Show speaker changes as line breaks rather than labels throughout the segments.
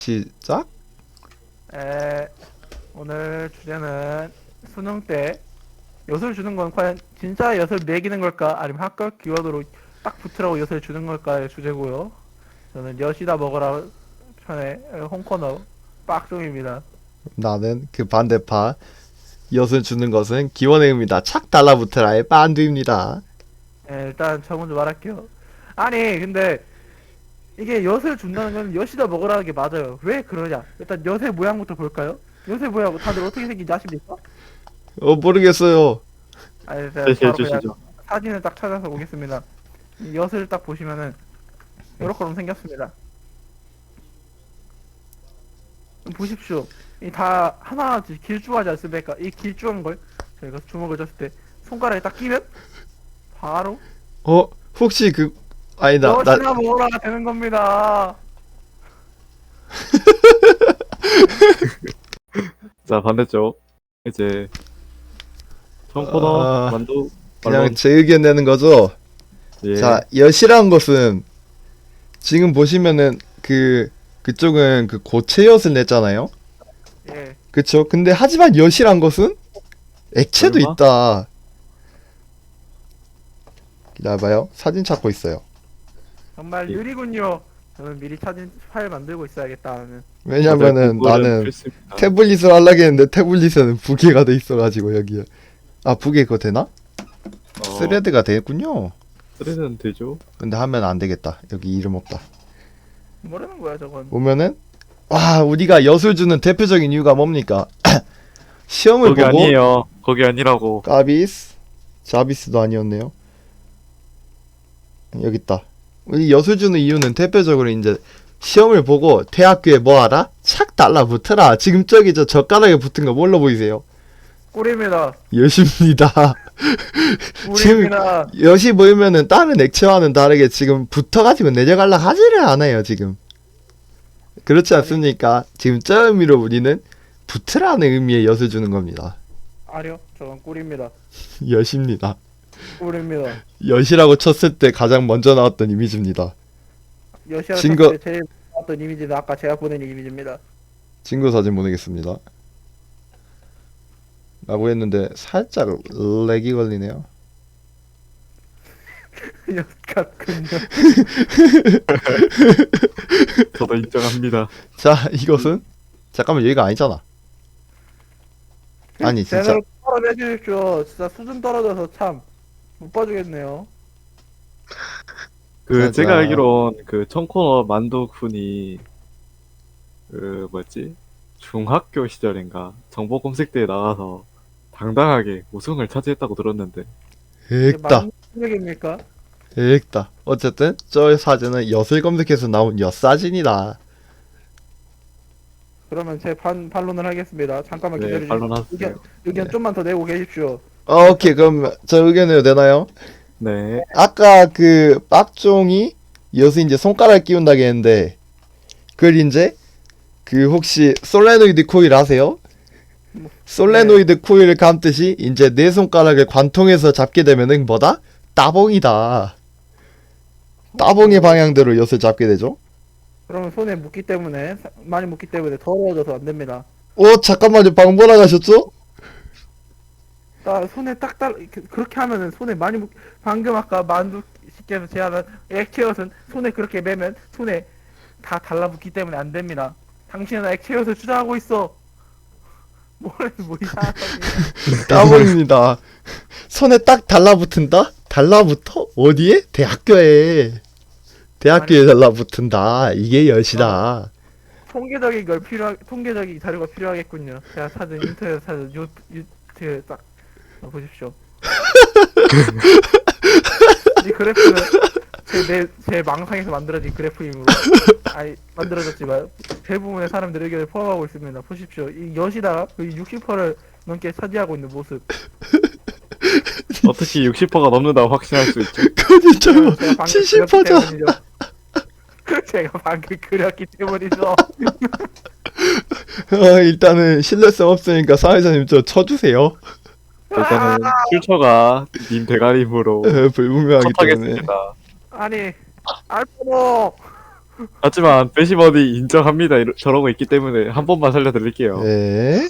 시작?
오늘 주제는 수능 때 엿을 주는 건 과연 진짜 엿을 매기는 걸까? 아니면 학교 기원으로 딱 붙으라고 엿을 주는 걸까의 주제고요. 저는 엿이다 먹어라 편의 홍코너 빡종입니다.
나는 그 반대파. 엿을 주는 것은 기원의 의미다. 착 달라붙어라의 빤두입니다.
일단 저 먼저 말할게요. 아니 근데 이게 엿을 준다는 건 엿이다 먹으라는 게 맞아요. 왜 그러냐? 일단 엿의 모양부터 볼까요? 엿의 모양 다들 어떻게 생긴지 아십니까?
모르겠어요.
아니 제가
제시해
바로 그냥
주시죠.
사진을 딱 찾아서 보겠습니다. 이 엿을 딱 보시면은 이렇게 생겼습니다. 보십시오. 이 다 하나같이 길쭉하지 않습니까? 이 길쭉한 걸 저희가 주먹을 줬을 때 손가락에 딱 끼면 바로
혹시 아니다.
엿이나 먹으라 되는 겁니다.
자, 반대쪽. 이제 청코너
아,
만두
그냥
말론.
제 의견 내는 거죠?
예.
자, 엿이란 것은 지금 보시면은 그쪽은 그 고체 엿을 냈잖아요?
예.
그쵸? 근데 하지만 엿이란 것은 액체도
설마?
있다. 기다려봐요. 사진 찾고 있어요.
정말
예.
느리군요. 저는 미리 사진 파일 만들고 있어야겠다는.
왜냐면은
다들 공부는
나는
필수입니다.
태블릿을 하려고 했는데 태블릿에는 부계가 돼 있어가지고 여기에. 아, 부계 그거 되나? 스레드가 되겠군요.
스레드는 되죠.
근데 하면 안 되겠다. 여기 이름 없다.
뭐라는 거야 저건.
보면은 와, 우리가 엿을 주는 대표적인 이유가 뭡니까? 시험을
거기
보고
아니에요. 거기 아니라고.
까비스 자비스도 아니었네요. 여기 있다. 우리 엿을 주는 이유는 대표적으로 이제 시험을 보고 대학교에 뭐 하라? 착 달라붙어라. 지금 저기 저 젓가락에 붙은 거 뭘로 보이세요?
꿀입니다.
엿입니다.
꿀입니다.
엿이 보이면은 다른 액체와는 다르게 지금 붙어가지고 내려갈라 하지를 않아요 지금. 그렇지 않습니까? 지금 저 의미로 우리는 붙으라는 의미의 엿을 주는 겁니다.
아니요, 저건 꿀입니다.
엿입니다.
꿀입니다.
엿이라고 쳤을 때 가장 먼저 나왔던 이미지입니다.
여시아
증거-
때 제일 나왔던 이미지는 아까 제가 보낸 이미지입니다.
친구 사진 보내겠습니다. 라고 했는데 살짝 렉이 걸리네요.
엿 같군요.
저도 인정합니다.
자, 이것은 잠깐만 여기가 아니잖아. 아니, 진짜.
제대로 떨어내주십시오. 진짜 수준 떨어져서 참 못 봐주겠네요.
그 제가
맞아.
알기론 그 청코너 만두군이 그 뭐였지? 중학교 시절인가 정보 검색대에 나가서 당당하게 우승을 차지했다고 들었는데.
액다.
만능력입니까?
액다. 어쨌든 저 사진은 엿을 검색해서 나온 엿 사진이다.
그러면 제 반론을 하겠습니다. 잠깐만
네,
기다려주세요.
반론하세요.
의견 좀만 더 내고 계십시오.
오케이, 그럼 저 의견해도 되나요?
네.
아까 그 빡종이 엿을 이제 손가락 끼운다고 했는데 그걸 이제 혹시 솔레노이드 코일 아세요? 솔레노이드 코일을 감듯이 이제 내 손가락을 관통해서 잡게 되면은 뭐다? 따봉이다. 따봉의 방향대로 엿을 잡게 되죠.
그러면 손에 묻기 때문에 많이 묻기 때문에 더러워져서 안 됩니다.
잠깐만요. 방금 뭐라 가셨죠?
손에 그렇게 하면은 손에 많이 방금 아까 만두 씨께서 제안한 액체엿은 손에 그렇게 매면 손에 다 달라붙기 때문에 안 됩니다. 당신은 액체엿을 주장하고 있어. 뭐 이상한 소리야.
따봉입니다. 손에 딱 달라붙은다? 달라붙어? 어디에? 대학교에. 대학교에 달라붙은다. 이게 엿이다.
통계적인 자료가 필요하겠군요. 제가 찾은 인터넷 찾은 딱 보십시오. 이 그래프는 제 망상에서 만들어진 그래프이므로 만들어졌지만 대부분의 사람들의 의견을 포함하고 있습니다. 보십시오. 이 엿이다가 60%를 넘게 차지하고 있는 모습.
어떻게 60%가 넘는다고 확신할 수 있죠?
그니까요.
제가 방금
70%죠.
그렸기 때문이죠. 제가 방금 그렸기 때문이죠.
일단은 신뢰성 없으니까 사회자님 저 쳐주세요.
일단은 출처가 님 대가림으로
불분명하기 때문에.
컷하겠습니다.
아니 알파노
하지만 배시버디 인정합니다. 저러고 있기 때문에 한 번만 살려드릴게요.
네.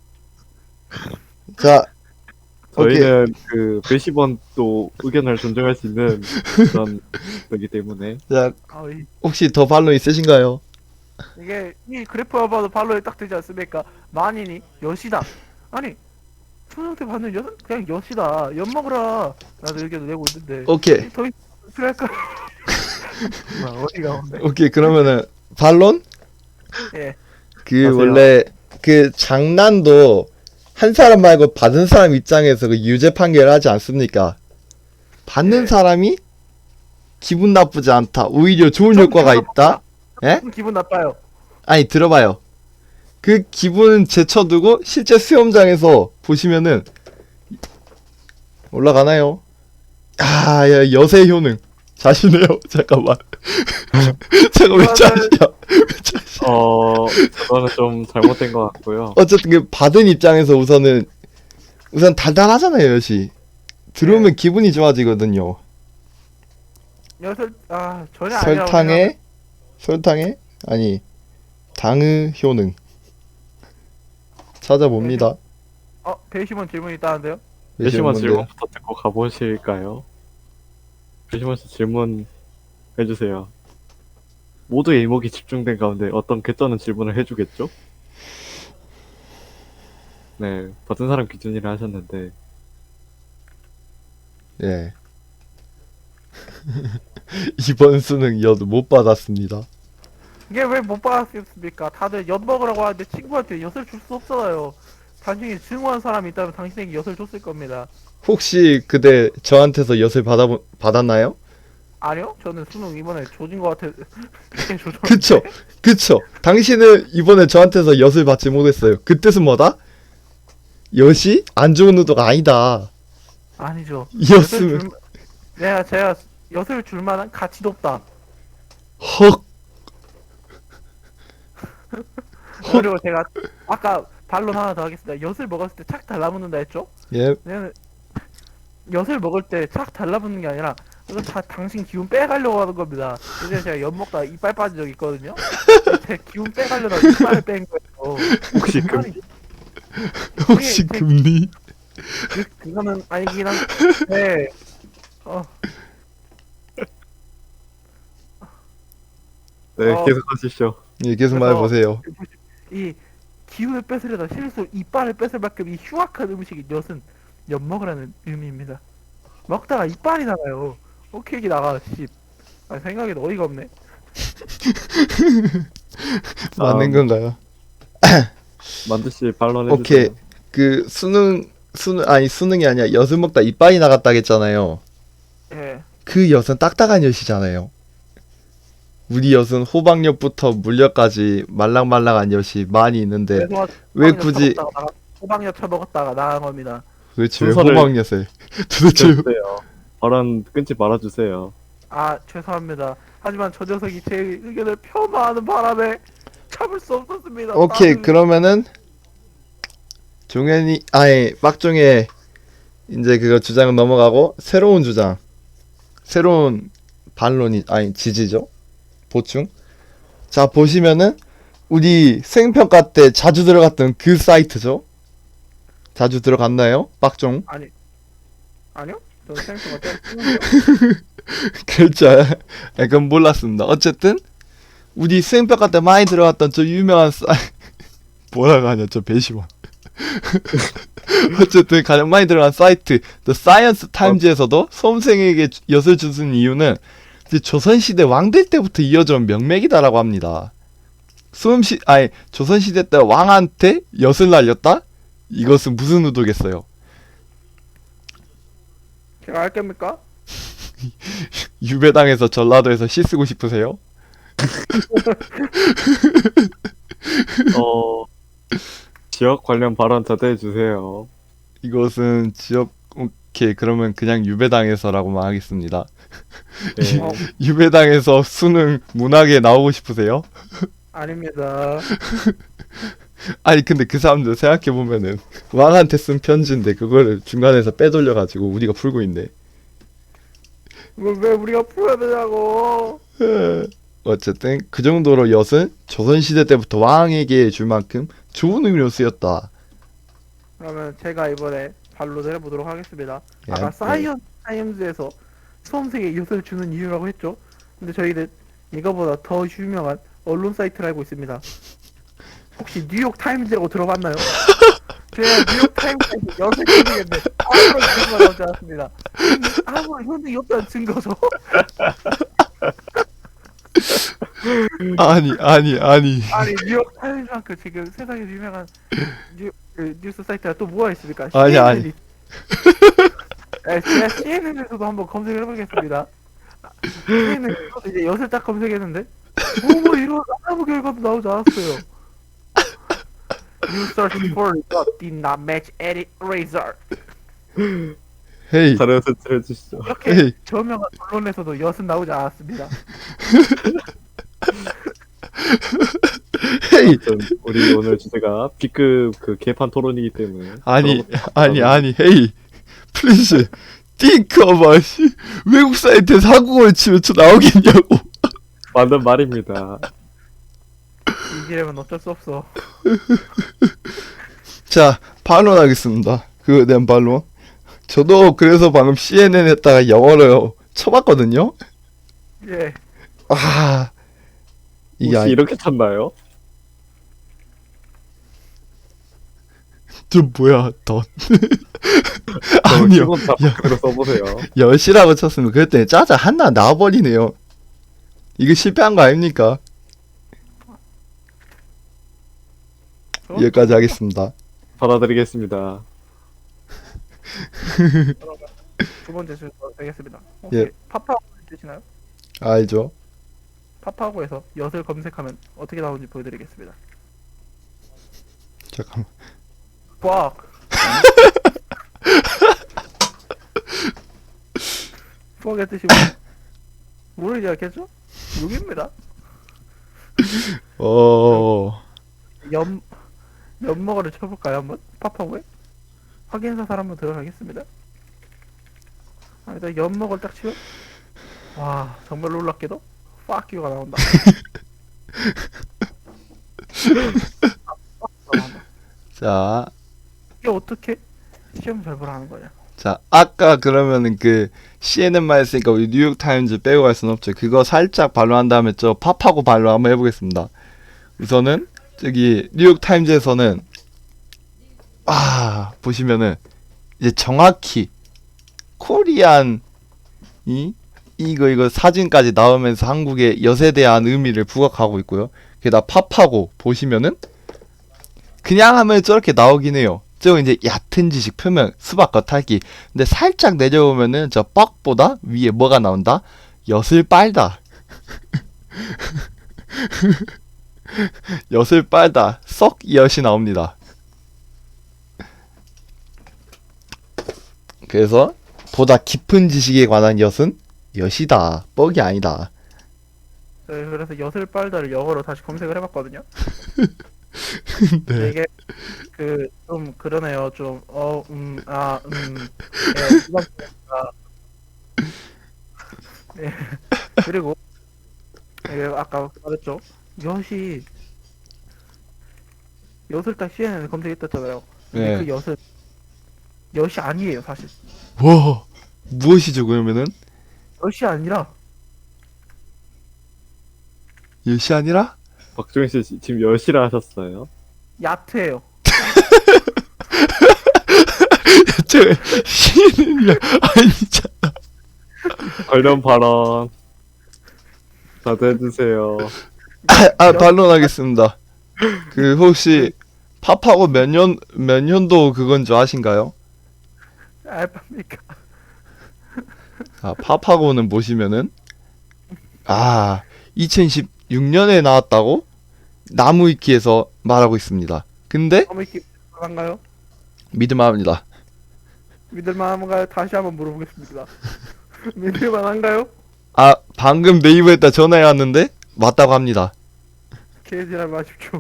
자, 오케이.
저희는 그 배시번도 의견을 존중할 수 있는 그런 거기 때문에.
자,
아,
혹시 더 반론 있으신가요?
이게 이 그래프만 봐도 발로에 딱 되지 않습니까? 만인이 여시다. 아니 초등학교 받는 여 그냥 여시다. 엿 먹으라. 나도 의견을 내고 있는데.
오케이.
더 필요할까? 어디가 없네.
오케이. 그러면은 반론?
예.
그
하세요.
원래 그 장난도 한 사람 말고 받은 사람 입장에서 그 유죄 판결을 하지 않습니까? 받는
예.
사람이 기분 나쁘지 않다. 오히려 좋은
좀
효과가
기분
있다. 예?
기분 나빠요.
아니 들어봐요. 그 기분 제쳐두고 실제 수영장에서 보시면은 올라가나요? 아, 야, 여세 효능 자시네요. 잠깐만. 잠깐 왜 자시야?
저거는 좀 잘못된 것 같고요.
어쨌든 그 받은 입장에서 우선 달달하잖아요, 여시. 들어오면 기분이 좋아지거든요.
전혀 아니라고
설탕에 아니 당의 효능 찾아봅니다.
배심원 질문 있다는데요?
배시번
뭔데?
질문부터 듣고 가보실까요? 배시번 씨 질문 해주세요. 모두의 이목이 집중된 가운데 어떤 개쩌는 질문을 해주겠죠? 네, 받은 사람 기준이라 하셨는데
예. 이번 수능 여도 못 받았습니다.
이게 왜 못 받았습니까? 다들 엿 먹으라고 하는데 친구한테 엿을 줄 수 없잖아요. 당신이 증오한 사람이 있다면 당신에게 엿을 줬을 겁니다.
혹시 그대 저한테서 엿을 받았나요?
아니요? 저는 수능 이번에 조진 것 같아. 그냥 조졌는데.
그쵸. 당신은 이번에 저한테서 엿을 받지 못했어요. 그 뜻은 뭐다? 엿이 안 좋은 의도가 아니다.
아니죠.
엿을
제가 엿을 줄 만한 가치도 없다.
헉.
그리고 제가 아까 반론 하나 더 하겠습니다. 엿을 먹었을 때 착 달라붙는다 했죠?
예.
왜냐면 엿을 먹을 때 착 달라붙는 게 아니라 이거 다 당신 기운 빼가려고 하는 겁니다. 예전에 제가 엿 먹다가 이빨 빠진 적 있거든요. 제 기운 빼가려다 이빨을 뺀 거예요.
혹시 그
아니,
혹시
네.
금리?
그거는 아니긴 한데
네,
어.
계속 하시죠.
예, 계속
그래서
말해보세요.
이 기운을 뺏으려다 실수 이빨을 뺏을 만큼 이 흉악한 음식이 엿은 엿 먹으라는 의미입니다. 먹다가 이빨이 나가요. 오케이 나가 씨. 생각에도 어이가 없네.
맞는 건가요?
만두 씨 반론해
오케이.
주세요.
그 수능이 아니야. 엿을 먹다 이빨이 나갔다 했잖아요.
예.
그 엿은 딱딱한 엿이잖아요. 우리 엿은 호박엿부터 물엿까지 말랑말랑한 엿이 많이 있는데
그래서
왜
호박엿
굳이
처먹다가 호박엿 처먹었다가 나간 겁니다.
도대체 왜
순서를-
호박엿을 도대체
주세요. 발언 끊지 말아주세요.
죄송합니다. 하지만 저 녀석이 제 의견을 폄하하는 바람에 참을 수 없었습니다.
오케이
나는-
그러면은 종현이 아니 빡종의 이제 그거 주장은 넘어가고 새로운 주장 새로운 반론이 아니 지지죠 보충 자 보시면은 우리 수행평가 때 자주 들어갔던 그 사이트죠 자주 들어갔나요 빡종
아니요? 저 생각 같아.
그렇죠 그건 몰랐습니다 어쨌든 우리 수행평가 때 많이 들어갔던 저 유명한 뭐라고 하냐 저 배시원 어쨌든 가장 많이 들어간 사이트 The Science Times에서도 수험생에게 엿을 주는 이유는 이제 조선시대 왕들 때부터 이어져온 명맥이다라고 합니다. 조선시대 때 왕한테 엿을 날렸다? 이것은 무슨 의도겠어요?
제가 알 겁니까?
유배당에서 전라도에서 시 쓰고 싶으세요?
지역 관련 발언 자제해 주세요.
이것은 오케이 그러면 그냥 유배당에서라고만 하겠습니다.
네.
유배당에서 수능 문학에 나오고 싶으세요?
아닙니다.
아니 근데 그 사람들 생각해보면은 왕한테 쓴 편지인데 그거를 중간에서 빼돌려가지고 우리가 풀고 있네.
이걸 왜 우리가 풀어야 되냐고.
어쨌든 그 정도로 엿은 조선시대 때부터 왕에게 줄 만큼 좋은 의미로 쓰였다.
그러면 제가 이번에 반론을 해보도록 하겠습니다.
예,
아까
예.
사이언스 타임즈에서 수험생에게 엿을 주는 이유라고 했죠. 근데 저희는 이거보다 더 유명한 언론 사이트를 알고 있습니다. 혹시 뉴욕 타임즈라고 들어봤나요? 제가 뉴욕 타임즈에서 엿을 검색했는데 아무런 증거가 나오지 않았습니다. 아무런 현득이 없다는 증거죠.
아니.
아니 뉴욕 타임즈만큼 지금 세상에서 유명한 뉴스 사이트가 또 뭐가 있습니까?
아니.
네, 제가 CNN에서도 한번 검색을 해보겠습니다. CNN에서 이제 엿을 딱 검색했는데 뭐 이런 아무 결과도 나오지 않았어요. You search for what did not match any razor.
헤이.
자료 제출해 주시죠.
이렇게
에이.
저명한 언론에서도 엿은 나오지 않았습니다.
헤이.
아무튼 우리 오늘 주제가 B급 그 개판 토론이기 때문에
아니.
그런
헤이. 플리즈. think about 외국 사이트에서 한국어를 치면 저 나오겠냐고.
맞는 말입니다.
이기려면 어쩔 수 없어.
자, 반론하겠습니다. 그거에 대한 반론. 저도 그래서 방금 CNN 했다가 영어로 쳐봤거든요.
예.
아, 이게
혹시 이렇게 쳤나요?
좀 뭐야, 덧. 아니요.
기본 다 그대로 써보세요.
여시라고 쳤으면 그랬더니 짜자 하나 나와버리네요. 이거 실패한 거 아닙니까? 여기까지 하겠습니다.
받아드리겠습니다.
두 번째 순서 되겠습니다. 혹시
예.
파파고 뜨시나요?
알죠?
파파고에서 엿을 검색하면 어떻게 나오는지 보여드리겠습니다.
잠깐만.
fuck. fuck의 뜻이 모르지 않겠죠? 욕입니다. 연먹어를 쳐볼까요 한번? 파파고에? 확인 사살 한번 들어가겠습니다. 일단 연먹을 딱 치면 와 정말 놀랍게도 fuck you가 나온다.
자,
이게 어떻게 시험 잘 보라는 거냐?
자, 아까 그러면은 그 CNN만 했으니까 우리 뉴욕타임즈 빼고 갈 순 없죠. 그거 살짝 반론한 다음에 저 팝하고 반론 한번 해보겠습니다. 우선은 저기 뉴욕타임즈에서는 보시면은 이제 정확히 코리안이 이거 사진까지 나오면서 한국의 엿에 대한 의미를 부각하고 있고요. 게다가 팝하고 보시면은 그냥 하면 저렇게 나오긴 해요. 저 이제 얕은 지식 표면 수박 겉핥기. 근데 살짝 내려오면은 저 뻑보다 위에 뭐가 나온다? 엿을 빨다. 엿을 빨다. 썩 엿이 나옵니다. 그래서 보다 깊은 지식에 관한 엿은 엿이다. 뻑이 아니다.
네, 그래서 엿을 빨다를 영어로 다시 검색을 해봤거든요.
네.
이게 그 좀 그러네요. 좀 네. 그리고 아까 말했죠. 엿을 딱 CNN에 검색했었잖아요. 근데
네.
그 엿은 엿이 아니에요, 사실.
와, 무엇이죠 그러면은?
엿이 아니라
엿이 아니라?
박종현 씨 지금 10시라 하셨어요.
야트예요.
저 CNN이야 아니잖아.
관련 발언 자제해주세요.
반론하겠습니다. 그 혹시 팝하고 몇 년도 그건 줄 아신가요?
알바입니까?
팝하고는 보시면은 2016년에 나왔다고 나무위키에서 말하고 있습니다. 근데
어머니께 한가요?
믿을만합니다.
믿을만한가요? 다시 한번 물어보겠습니다. 믿을만한가요?
방금 네이버에다 전화해 왔는데 맞다고 합니다.
개지랄 마십시오.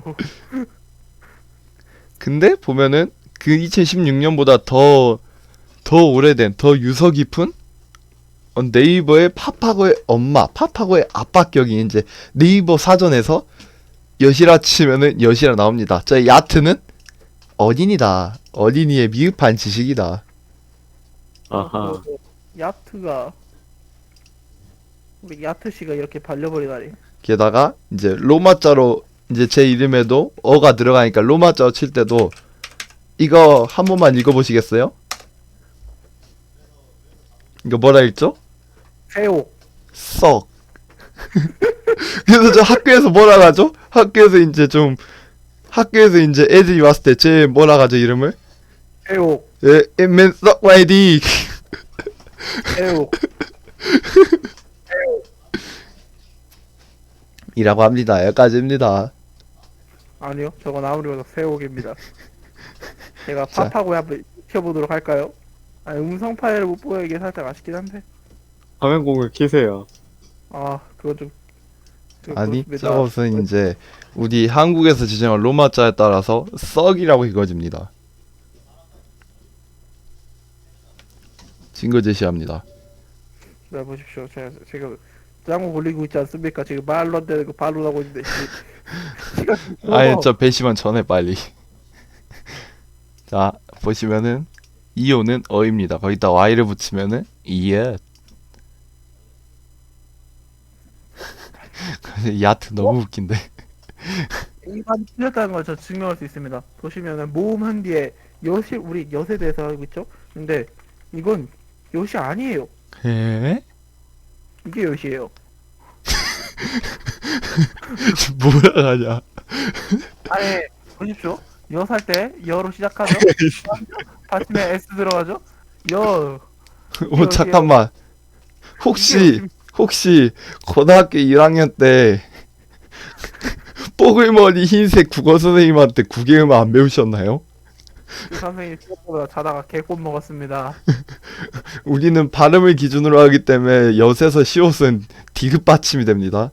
근데 보면은 그 2016년보다 더 오래된 더 유서 깊은 네이버의 파파고의 엄마, 파파고의 아빠 격이 이제 네이버 사전에서 여시라 치면은 여시라 나옵니다. 저 야트는 어린이다. 어린이의 미흡한 지식이다.
아하.
야트가 우리 야트 씨가 이렇게 발려버리다니.
게다가 이제 로마자로 이제 제 이름에도 어가 들어가니까 로마자로 칠 때도 이거 한 번만 읽어보시겠어요? 이거 뭐라 읽죠?
새옥.
썩. 그래서 저 학교에서 뭐라 하죠? 학교에서 이제 애들이 왔을 때 제 뭐라 하죠 이름을?
새옥.
예, 맨 썩 와이디.
새옥.
이라고 합니다. 여기까지입니다.
아니요, 저건 아무리 봐도 새옥입니다. 제가
자.
팝하고 한번 익혀보도록 할까요? 아니, 음성 파일을 못 보여 이게 살짝 아쉽긴 한데.
화면 공을 키세요.
아, 그건 좀.
아니,
그렇습니다.
저것은 이제 우리 한국에서 지정한 로마자에 따라서 썩이라고 읽어집니다. 증거 제시합니다.
자, 보십시오. 제가 지금 짱구 걸리고 있지 않습니까? 지금 말로 안 되는 거 발로 하고 있는데.
아니, 저 배심원 전에 빨리. 자, 보시면은 이오는 어입니다. 거기다 y를 붙이면은 이에. 야트 너무 웃긴데.
이만 틀렸다는 걸 저 증명할 수 있습니다. 보시면은 모음한 뒤에 여시 우리 엿에 대해서 알고 있죠? 근데 이건 엿이 아니에요.
에?
이게 엿이에요.
뭐라 하냐?
아니 보십시오. 엿 할 때 여로 시작하죠. 받침에 s 들어가죠. 여.
오, 잠깐만. 혹시 고등학교 1학년 때 뽀글머리 흰색 국어 선생님한테 국외음악 안 배우셨나요?
그 선생님 생각보다 자다가 개꽃 먹었습니다.
우리는 발음을 기준으로 하기 때문에 엿에서 시옷은 디귿 받침이 됩니다.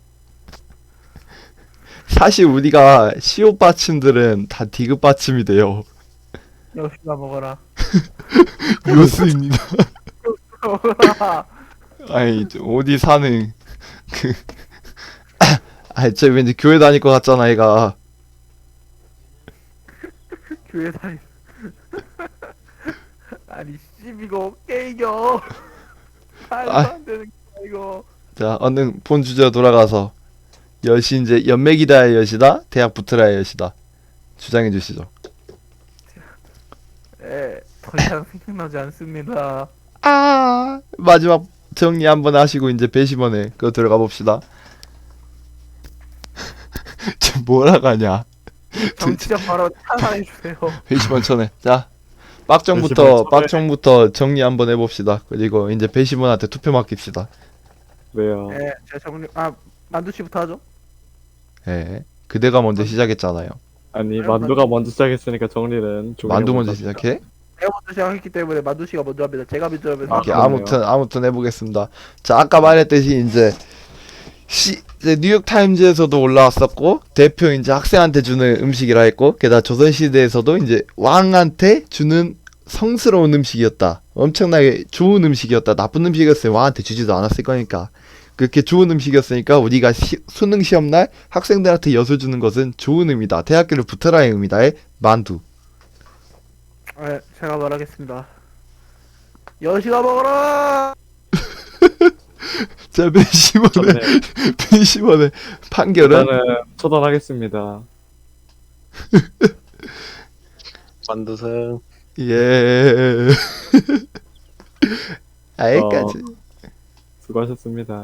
사실 우리가 시옷 받침들은 다 디귿 받침이 돼요.
엿이나 먹어라.
요스입니다.
먹어라.
아니 어디 사는 아니 저 왠지 교회 다닐 것 같잖아 얘가.
교회 다니. 아니 씹이고 깨이겨. 말도 안 되는 거야 이거.
자 얼른 본 주제로 돌아가서 엿이 이제 연맥이다의 엿이다 대학 붙으라의 엿이다 주장해 주시죠.
예, 더 이상 생각나지 않습니다.
아 마지막 정리 한번 하시고 이제 배심원에 그거 들어가 봅시다. 저 뭐라 가냐?
정치적 바로 찬양해 주세요.
배심원 전에 자
배심원
빡정부터 정리 한번 해봅시다. 그리고 이제 배심원한테 투표 맡깁시다.
왜요?
예, 제가 정리 만두 씨부터 하죠.
예, 그대가 먼저 시작했잖아요.
아니 만두가 먼저 시작했으니까 정리는 종이가
만두 먼저
합시다.
시작해?
제가 먼저 시작했기 때문에 만두 씨가 먼저 합니다. 제가 먼저 하면서
오케이,
그러네요.
아무튼 해보겠습니다. 자, 아까 말했듯이 이제 이제 뉴욕 타임즈에서도 올라왔었고 대표 이제 학생한테 주는 음식이라 했고 게다가 조선 시대에서도 이제 왕한테 주는 성스러운 음식이었다. 엄청나게 좋은 음식이었다. 나쁜 음식이었으면 왕한테 주지도 않았을 거니까. 그렇게 좋은 음식이었으니까 우리가 수능 시험 날 학생들한테 엿을 주는 것은 좋은 의미다. 대학교를 붙어라의 의미다의 만두.
예, 제가 말하겠습니다. 여시가 먹어라.
자, 배심원의
저는
배심원의 판결은
일단은 처단하겠습니다.
만두승.
예. 아예까지.
수고하셨습니다.